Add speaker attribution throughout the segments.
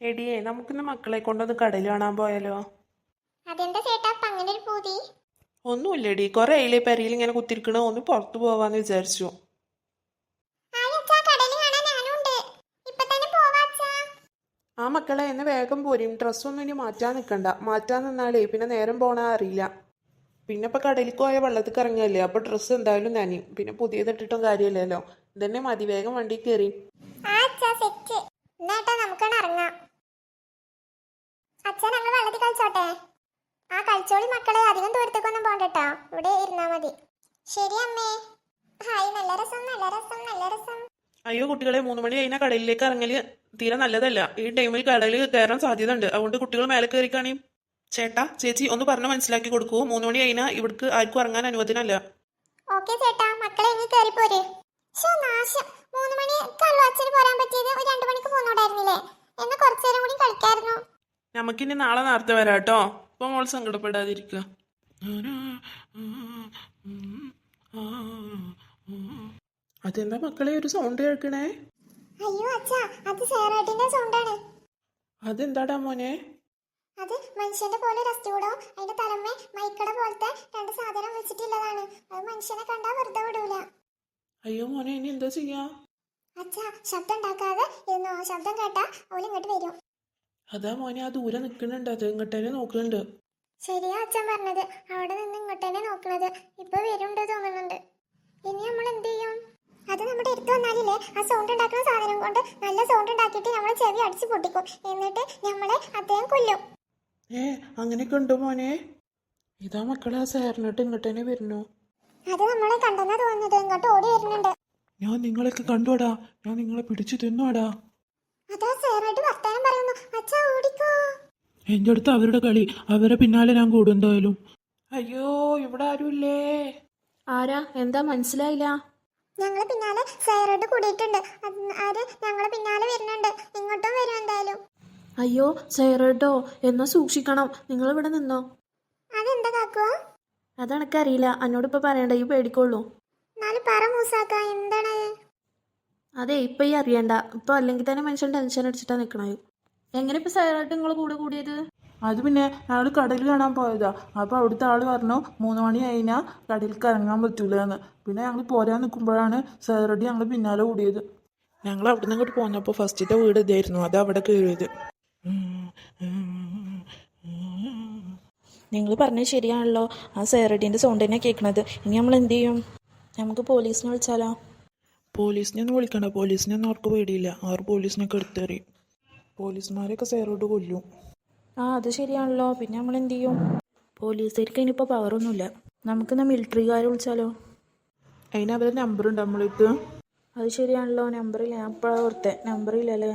Speaker 1: എടിയേ നമുക്കിന്ന് മക്കളെ കൊണ്ടൊന്ന് കടയിൽ കാണാൻ പോയാലോ?
Speaker 2: അതെന്താ ചേട്ടാ ഇപ്പൊ അങ്ങനെ ഒരു പൂതി?
Speaker 1: ഒന്നുമില്ലടി, കുറെ ആയില്ലേ പെരയിൽ ഇങ്ങനെ കുത്തിരിക്കണ, ഒന്ന് പുറത്തു പോവാന്ന് വിചാരിച്ചു.
Speaker 2: ആയച്ചാ കടല് കാണാൻ ഞാനുണ്ട്. ഇപ്പൊ തന്നെ പോവാ അച്ഛാ.
Speaker 1: ആ മക്കളെ എന്നെ വേഗം പോരും, ഡ്രസ്സൊന്നും ഇനി മാറ്റാൻ നിൽക്കണ്ട. മാറ്റാൻ നിന്നാലേ പിന്നെ നേരം പോണാ അറിയില്ല. പിന്നെ ഇപ്പൊ കടലിൽ പോയ വെള്ളത്തിൽ ഇറങ്ങിയല്ലേ, അപ്പൊ ഡ്രസ്സ് എന്തായാലും നനയും. പിന്നെ പുതിയതിട്ടിട്ടും കാര്യമില്ലല്ലോ. ഇതന്നെ മതി, വേഗം വണ്ടി കയറി.
Speaker 2: ആ അച്ഛാ സെറ്റ്. എന്നാട്ടാ നമുക്കാണ് ഇറങ്ങാം. അച്ഛാ ഞങ്ങൾ വെള്ളത്തിൽ കളിച്ചോട്ടെ? ആ കളിച്ചോളി മക്കളെ, അധികം ദൂരത്തേക്കൊന്നും പോകണ്ടട്ടോ, ഇവിടെ ഇരുന്നാ മതി. ശരി അമ്മേ. ഹായ്, നല്ല രസം നല്ല രസം നല്ല രസം.
Speaker 1: അയ്യോ കുട്ടികളെ, 3 മണി കഴിഞ്ഞാൽ കടലിലേക്ക് ഇറങ്ങല് തീരെ നല്ലതല്ല. ഈ ടൈമിൽ കടലിൽ കയറാൻ സാധ്യത ഉണ്ട്. അതുകൊണ്ട് കുട്ടികൾ മേലെ കയറിക്കാണി. ചേട്ടാ ചേച്ചി ഒന്ന് പറഞ്ഞ് മനസ്സിലാക്കി കൊടുക്കൂ. 3 മണി കഴിഞ്ഞാൽ ഇവിടേക്ക് ആർക്കും ഇറങ്ങാൻ അനുവദനല്ല.
Speaker 2: ഓക്കെ ചേട്ടാ, മക്കളെ ഇനി കയറി പോര്. നാശം, 3 മണിക്കല്ലോ അച്ഛന് പോരാൻ പറ്റിയത്. ഒരു 2 മണിക്ക് പോന്നോടായിരുന്നില്ലേ? എന്ന് കുറച്ചു നേരം കൂടി കളിക്കായിരുന്നു.
Speaker 1: നമുക്കിനി നാളെ നേരത്തെ വരാം കേട്ടോ. ഇപ്പൊ മോൾ സങ്കടപ്പെടാതിരിക്കുക. അതെന്താ മക്കളെ ഒരു സൗണ്ട് കേൾക്കണേ?
Speaker 2: അയ്യോ അച്ഛാ, അത് സേറാട്ടിന്റെ സൗണ്ടാണ്.
Speaker 1: അതെന്താടാ മോനെ?
Speaker 2: അത് മനുഷ്യന്റെ പോലെ രസൂടോ, അതിന്റെ തലമ്മേ മൈക്കട പോലത്തെ 2 സാധനം വെച്ചിട്ടുള്ളതാണ്. അത് മനുഷ്യനെ കണ്ടാ വെറുതെ വിടൂല.
Speaker 1: അയ്യോ മോനെ, ഇനി എന്താ ചെയ്യാ?
Speaker 2: അച്ഛാ ശബ്ദം ഉണ്ടാക്കാതെ ഇരുന്നോ, ശബ്ദം കേട്ടാ അവൾ ഇങ്ങോട്ട് വരും.
Speaker 1: അതാ മോനെ, ആ ദൂരെ നിക്കണുണ്ട്, അത് ഇങ്ങോട്ടേനെ നോക്കുന്നുണ്ട്.
Speaker 2: ശരിയാ അച്ഛൻ പറഞ്ഞത്, അവിടെ നിന്ന് ഇങ്ങോട്ടേനെ നോക്കണത്. ഇപ്പൊ വരുന്നുണ്ട് തോന്നുന്നുണ്ട്. ഇനി നമ്മൾ എന്ത് ചെയ്യും? അത് നമ്മുടെ അടുത്ത് വന്നാലില്ലേ, ആ സൗണ്ട് ഉണ്ടാക്കുന്ന സാധനം കൊണ്ട് നല്ല സൗണ്ട് ഉണ്ടാക്കിയിട്ട് നമ്മളെ ചെവി അടിച്ച് പൊട്ടിക്കും. എന്നിട്ട് നമ്മളെ അദ്ദേഹം കൊല്ലും.
Speaker 1: അങ്ങനെയൊക്കെ ഉണ്ടോ മോനെ? ഇതാ മക്കളെ, ആ സേറിനിട്ട് ഇങ്ങോട്ടേനെ വരുന്നു.
Speaker 2: അത് നമ്മളെ കണ്ടെന്നാ തോന്നുന്നത്, ഇങ്ങോട്ട് ഓടി വരുന്നുണ്ട്.
Speaker 1: ഞാൻ നിങ്ങളൊക്കെ കണ്ടോടാ, ഞാൻ നിങ്ങളെ പിടിച്ചു തിന്നോടാ.
Speaker 2: അതാ സേറായിട്ട് വർത്താനം പറയുന്നു. അച്ഛാ ഓടിക്കോ.
Speaker 1: എന്റെ അടുത്ത് അവരുടെ കളി, അവരെ പിന്നാലെ ഞാൻ കൂടും എന്തായാലും. അയ്യോ ഇവിടെ ആരുമില്ലേ?
Speaker 3: ആരാ? എന്താ മനസ്സിലായില്ല?
Speaker 2: ഞങ്ങളെ പിന്നാലെ സേറായിട്ട് കൂടിയിട്ടുണ്ട്. ആര് ഞങ്ങളെ പിന്നാലെ വരുന്നുണ്ട്. ഇങ്ങോട്ടും വരും എന്തായാലും.
Speaker 3: അയ്യോ സൈറേട്ടോ, എന്നാ സൂക്ഷിക്കണം. നിങ്ങൾ ഇവിടെ നിന്നോ.
Speaker 2: അതെന്താ കാക്കുവോ?
Speaker 3: അതെനക്കറിയില്ല, എന്നോട് ഇപ്പൊ പറയണ്ട, ഈ പേടിക്കൊള്ളൂ.
Speaker 2: എന്നാലും പറ മൂസാക്ക, എന്താണ്?
Speaker 3: അതെ, ഇപ്പൊ ഈ അറിയണ്ട. ഇപ്പൊ അല്ലെങ്കിൽ തന്നെ മനുഷ്യൻ ടെൻഷൻ അടിച്ചിട്ടാ നിക്കണത്. എങ്ങനെ ഇപ്പൊ സൈറായിട്ട് നിങ്ങൾ കൂടെ കൂടിയത്?
Speaker 1: അത് പിന്നെ ഞങ്ങൾ കടലിൽ കാണാൻ പോയതാ. അപ്പോൾ അവിടുത്തെ ആള് പറഞ്ഞു 3 മണി കഴിഞ്ഞാൽ കടലിലേക്ക് ഇറങ്ങാൻ പറ്റൂല എന്ന്. പിന്നെ ഞങ്ങൾ പോരാൻ നിൽക്കുമ്പോഴാണ് സേറടി ഞങ്ങൾ പിന്നാലെ കൂടിയത്. ഞങ്ങൾ അവിടെ നിന്ന് ഇങ്ങോട്ട് പോന്നപ്പോൾ ഫസ്റ്റത്തെ വീട് ഇതായിരുന്നു, അത് അവിടെ കയറിയത്.
Speaker 3: നിങ്ങൾ പറഞ്ഞത് ശരിയാണല്ലോ, ആ സൈറഡീൻ്റെ സൗണ്ട് തന്നെ കേൾക്കണത്. ഇനി നമ്മൾ എന്ത് ചെയ്യും? നമുക്ക് പോലീസിനെ വിളിച്ചാലോ?
Speaker 1: പോലീസിനെ ഒന്നും വിളിക്കണ്ട, പോലീസിനൊന്നും അവർക്ക് പേടിയില്ല. അവർ പോലീസിനൊക്കെ എടുത്തെറിയും. പോലീസുമാരെയൊക്കെ സേറോട് കൊല്ലും.
Speaker 3: ആ അത് ശരിയാണല്ലോ, പിന്നെ നമ്മൾ എന്ത് ചെയ്യും? പോലീസുകാർക്ക് ഇനിയിപ്പോൾ പവറൊന്നുമില്ല. നമുക്കെന്നാ മിലിറ്ററിക്കാരെ വിളിച്ചാലോ?
Speaker 1: അതിന് അവരുടെ നമ്പറുണ്ട് നമ്മളിട്ട്.
Speaker 3: അത് ശരിയാണല്ലോ, നമ്പറില്ല. ഞാൻ ഇപ്പോഴാണ് ഓർത്തെ, നമ്പറില്ലല്ലേ.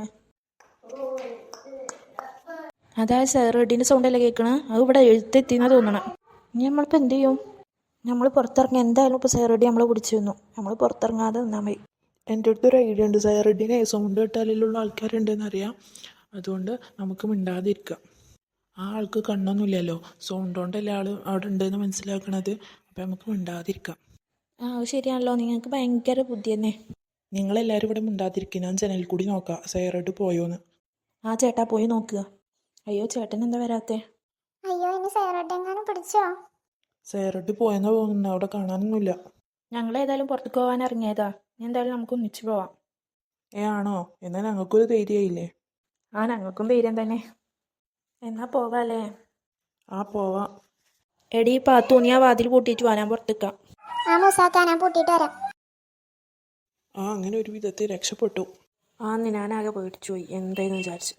Speaker 3: അതായത് സൈറഡീൻ്റെ സൗണ്ടല്ലേ കേൾക്കണേ, അത് ഇവിടെ എഴുത്തെത്തിന്നാ തോന്നണം. ഇനി നമ്മളിപ്പോൾ എന്ത് ചെയ്യും? നമ്മൾ പുറത്തിറങ്ങി എന്തായാലും ഇപ്പോൾ സൈറഡി നമ്മളെ പിടിച്ചു തന്നു. നമ്മൾ പുറത്തിറങ്ങാതെ നിന്നാൽ മതി.
Speaker 1: എൻ്റെ അടുത്തൊരു ഐഡിയ ഉണ്ട്. സൈറഡിനെ സൗണ്ട് കേട്ടാലുള്ള ആൾക്കാരുണ്ടെന്ന് അറിയാം. അതുകൊണ്ട് നമുക്ക് മിണ്ടാതിരിക്കാം. ആ ആൾക്ക് കണ്ണൊന്നുമില്ലല്ലോ, സൗണ്ട് കൊണ്ടല്ലേ ആൾ അവിടെ ഉണ്ടെന്ന് മനസ്സിലാക്കണത്. അപ്പം നമുക്ക് മിണ്ടാതിരിക്കാം.
Speaker 3: ആ അത് ശരിയാണല്ലോ, നിങ്ങൾക്ക് ഭയങ്കര ബുദ്ധി തന്നെ.
Speaker 1: നിങ്ങളെല്ലാവരും ഇവിടെ മിണ്ടാതിരിക്കും. ഞാൻ ജനലിൽ കൂടി നോക്കാം സൈറഡ് പോയോന്ന്.
Speaker 3: ആ ചേട്ടാ പോയി നോക്കുക. അയ്യോ ചേട്ടൻ എന്താ വരാത്തെ?
Speaker 2: അയ്യോ ഇനി സേറായിട്ട് എങ്ങാനും പിടിച്ചോ?
Speaker 1: സൈറഡ് പോയെന്ന് തോന്നുന്നു, അവിടെ കാണാനൊന്നുമില്ല.
Speaker 3: ഞങ്ങൾ ഏതായാലും പുറത്തേക്ക് പോകാൻ ഇറങ്ങിയതാ. ഇനി എന്തായാലും നമുക്ക് ഒന്നിച്ച് പോവാം.
Speaker 1: ആണോ? എന്നാൽ ഞങ്ങൾക്കൊരു ധൈര്യമായില്ലേ?
Speaker 3: ആ ഞങ്ങൾക്കും ധൈര്യം തന്നെ. എന്നാ പോവാല്ലേ?
Speaker 1: ആ പോവാം.
Speaker 3: എടി പാത്തു, നീ ആ വാതിൽ പൂട്ടിയിട്ട് വാ, ഞാൻ പുറത്തേക്കാം.
Speaker 2: ആ മൂസാക്ക, ഞാൻ പൂട്ടിയിട്ട് വരാം.
Speaker 1: ആ അങ്ങനെ ഒരു വിധത്തിൽ രക്ഷപ്പെട്ടു.
Speaker 3: ഞാനാകെ പേടിച്ചു പോയി, എന്തായെന്ന് വിചാരിച്ചു.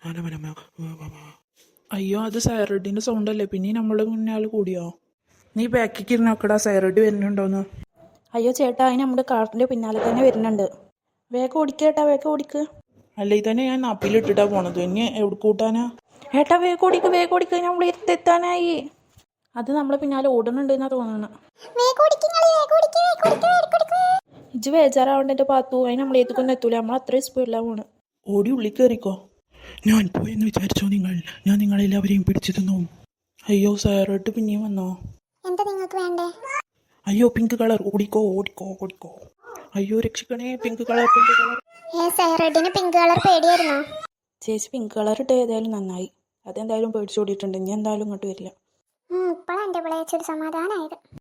Speaker 1: അയ്യോ അത് സൈറഡിൻ്റെ സൗണ്ട് അല്ലേ, പിന്നെ നമ്മളെ മുന്നേ ആൾ കൂടിയോ? നീ ബാക്കിക്ക് ഇരുന്നോക്കടാ, സൈറഡ് വരുന്നുണ്ടോന്ന്.
Speaker 3: അയ്യോ ചേട്ടാ, അതിന് നമ്മുടെ കാറിൻ്റെ പിന്നാലെ തന്നെ വരുന്നുണ്ട്. വേഗം ഓടിക്കുക ചേട്ടാ, വേഗം ഓടിക്കുക.
Speaker 1: അല്ലേ തന്നെ ഞാൻ നാപ്പിലിട്ടിട്ടാ പോണത്, ഇനി എവിടെ കൂട്ടാനാ?
Speaker 3: ഏട്ടാ വേഗം ഓടിക്കുക, നമ്മൾ എത്താനായി. അത് നമ്മളെ പിന്നാലെ ഓടുന്നുണ്ട് എന്നാ തോന്നുന്നത്. ഇജ്ജ് ബേജാറാവണ്ട എൻ്റെ പാത്തു, അതിന് നമ്മൾ ഏതൊക്കൊന്നും എത്തൂല. നമ്മൾ അത്രയും സ്പീഡിലാണ് പോണ്.
Speaker 1: ഓടി ഉള്ളിൽ കയറിക്കോ. ഞാൻ പോയെന്ന് വിചാരിച്ചോ നിങ്ങൾ? ഞാൻ നിങ്ങളെല്ലാവരെയും പിടിച്ചു തന്നു. അയ്യോ സൈറഡ് പിന്നെയും വന്നോ?
Speaker 2: എന്താ നിങ്ങൾക്ക് വേണ്ടേ?
Speaker 1: അയ്യോ പിങ്ക് കളർ, ഓടിക്കോ ഓടിക്കോ ഓടിക്കോ. അയ്യോ രക്ഷിക്കണേ, പിങ്ക് കളർ.
Speaker 2: സൈറഡിന് പിങ്ക് കളർ പേടിയായിരുന്നോ?
Speaker 3: ചേച്ചി പിങ്ക് കളർ ഇട്ട് ഏതായാലും നന്നായി. അതെന്തായാലും പേടിച്ചോടിയിട്ടുണ്ട്. ഇനി എന്തായാലും ഇങ്ങോട്ട് വരില്ല.
Speaker 2: ഇപ്പോഴാണ് എൻ്റെ പിള്ളേച്ചൊരു സമാധാനമായത്.